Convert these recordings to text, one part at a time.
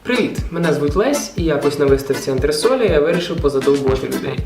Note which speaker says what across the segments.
Speaker 1: Привіт! Мене звуть Лесь, і якось на виставці антресолі я вирішив позадовбувати людей.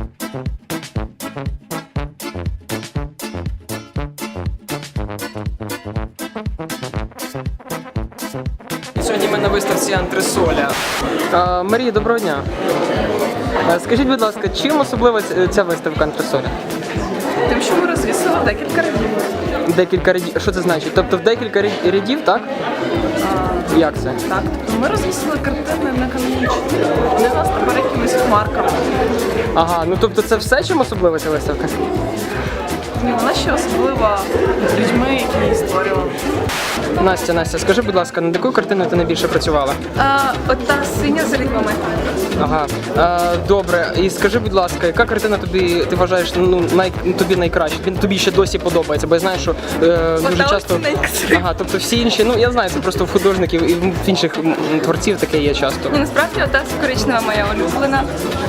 Speaker 1: Сьогодні ми на виставці антресоля. Марія, доброго дня. Скажіть, будь ласка, чим особлива ця виставка антресоля?
Speaker 2: Тим, що ми розвісили декілька рядів.
Speaker 1: Декілька рядів? Що це значить? Тобто в декілька рядів, так? Як це?
Speaker 2: Так, тобто ми розвісили картини не канонічні. Вони у нас тепер якимись хмарками.
Speaker 1: Ага, ну тобто це все, чим особлива ця виставка?
Speaker 2: Ні, вона ще особлива людьми, які її створювали.
Speaker 1: Настя, скажи, будь ласка, над якою картиною ти найбільше працювала?
Speaker 2: Ота синя з рибами.
Speaker 1: Ага, добре. І скажи, будь ласка, яка картина тобі, ти вважаєш, тобі найкраще? Тобі ще досі подобається, бо я знаю, що дуже часто... Ага, тобто всі інші, я знаю, це просто в художників і в інших творців таке є часто.
Speaker 2: Насправді, ота коричнева моя улюблена.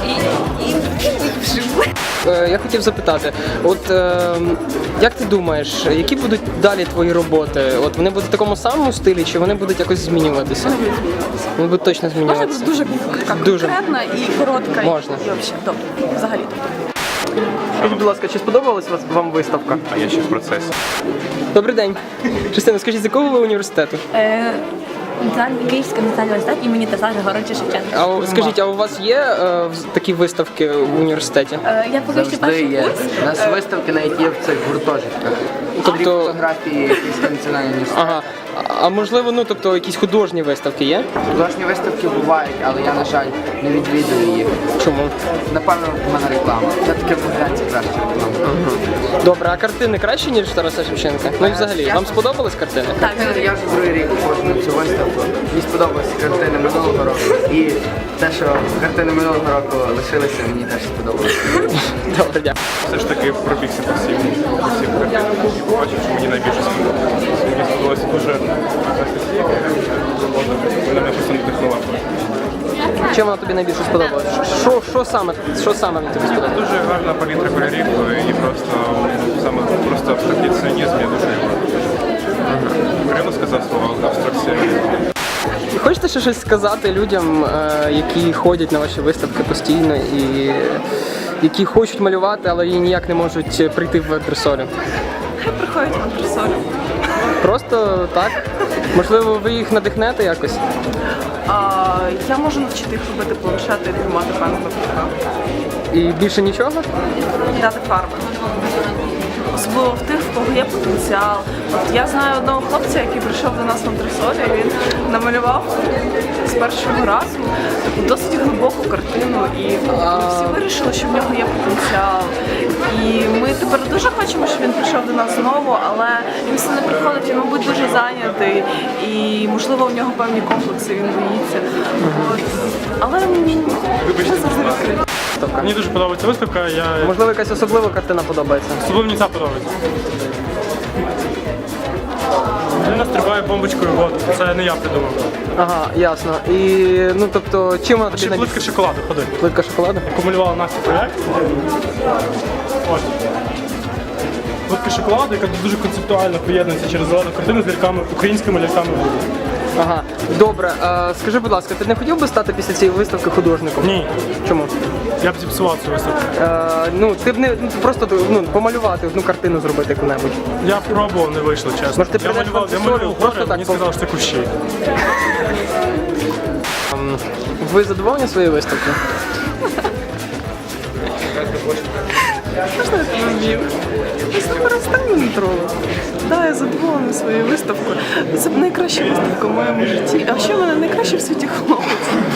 Speaker 1: Я хотів запитати, як ти думаєш, які будуть далі твої роботи? Вони будуть в такому самому стилі, чи вони будуть якось змінюватися? Вони будуть точно змінюватися.
Speaker 2: Можна дуже конкретна і коротка.
Speaker 1: Можна.
Speaker 2: І взагалі.
Speaker 1: Скажіть, будь ласка, чи сподобалась вам виставка?
Speaker 3: А я ще в процесі.
Speaker 1: Добрий день. Частина, скажіть, з якого ви університету?
Speaker 4: Київський національний університет імені Тараса Григоровича Шевченка.
Speaker 1: Скажіть, а у вас є такі виставки в університеті?
Speaker 4: Я поки що перший курс.
Speaker 5: У нас виставки навіть є в цих гуртожитках.
Speaker 1: Тобто-
Speaker 5: Фотографії Київського національного університету.
Speaker 1: Ага. А можливо, якісь художні виставки є?
Speaker 5: Художні виставки бувають, але я, на жаль, не відвідую їх.
Speaker 1: Чому?
Speaker 5: Напевно, в мене реклама. Все-таки в Богданці краще реклама.
Speaker 1: Добре, а картини краще, ніж Тараса Шевченка? Ну і взагалі, вам сподобались картини?
Speaker 5: Так, я вже другий рік ходжу на цю виставку. Мені сподобалися картини минулого року. І те, що картини минулого року лишилися, мені теж сподобалося.
Speaker 1: Добре, дякую.
Speaker 3: Все ж таки пробігся по всім картинам і побачив, що мені найбільше сподобалося. Мені сподобалося дуже Анастасія, вона мене просто надихнула.
Speaker 1: Чим вона тобі найбільше сподобалась? Що саме мені тобі сподобалось?
Speaker 3: Дуже гарна палітра кольорів і просто саме просто абстракціонізм, я дуже його приємно сказав слово абстракція.
Speaker 1: Хочете ще щось сказати людям, які ходять на ваші виставки постійно і які хочуть малювати, але ніяк не можуть прийти в антресолю?
Speaker 2: Хай приходять в антресолю.
Speaker 1: Просто так? Можливо, ви їх надихнете якось?
Speaker 2: Я можу навчити їх робити планшети і тримати пензлик в руках.
Speaker 1: І більше нічого?
Speaker 2: І дати фарби. Особливо в тих, в кого є потенціал. От я знаю одного хлопця, який прийшов до нас в антресолі, він намалював з першого разу таку досить глибоку картину, і ми всі вирішили, що в нього є потенціал. І ми тепер дуже хочемо, щоб він прийшов до нас знову, але він все не приходить, він, мабуть, дуже зайнятий, і, можливо, у нього певні комплекси, він боїться. От. Але ми завжди відкриті.
Speaker 6: Мені дуже подобається виставка,
Speaker 1: Можливо, якась особлива картина подобається?
Speaker 6: особливо мені ця подобається. Людина стрибає бомбочкою в воду, це не я придумав.
Speaker 1: Ага, ясно. І, тобто, чим вона тобі
Speaker 6: Ще плитка шоколаду, ходи.
Speaker 1: Плитка шоколаду?
Speaker 6: Яку малювала Настя проєкт. Ось. Плитка шоколаду, яка дуже концептуально поєднується через зелену картину з ляльками, українськими ляльками.
Speaker 1: Ага, добре. Скажи, будь ласка, ти не хотів би стати після цієї виставки художником?
Speaker 6: Ні.
Speaker 1: Чому?
Speaker 6: Я б зіпсував цю виставку.
Speaker 1: Ти б не просто помалювати одну картину зробити яку-небудь.
Speaker 6: Я пробував, не вийшло, чесно.
Speaker 1: Може, ти
Speaker 6: Я
Speaker 1: прийдеш в
Speaker 6: малював
Speaker 1: антресолю, просто
Speaker 6: гори,
Speaker 1: так
Speaker 6: мені сказали, що це кущі.
Speaker 1: Ви задоволені своєю виставкою?
Speaker 2: Можна я тебе вмію? Просто перестань мене тролити. Да, я задоволена своєю виставкою. Це найкраща виставка в моєму житті. А ще в мене найкращий в світі хлопець,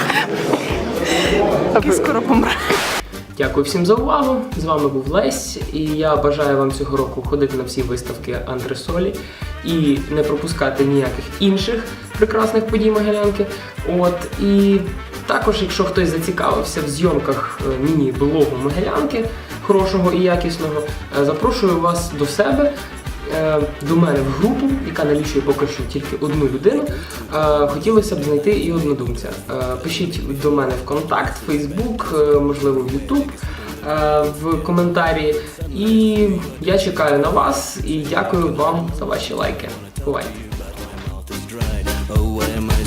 Speaker 2: який скоро помре.
Speaker 1: Дякую всім за увагу. З вами був Лесь, і я бажаю вам цього року ходити на всі виставки антресолі і не пропускати ніяких інших прекрасних подій Могилянки. І також, якщо хтось зацікавився в зйомках міні-блогу Могилянки, хорошого і якісного, запрошую вас до себе, до мене в групу, яка налічує поки що тільки одну людину. Хотілося б знайти і однодумця. Пишіть до мене в контакт, в Фейсбук, можливо в Ютуб, в коментарі. І я чекаю на вас і дякую вам за ваші лайки. Бувайте!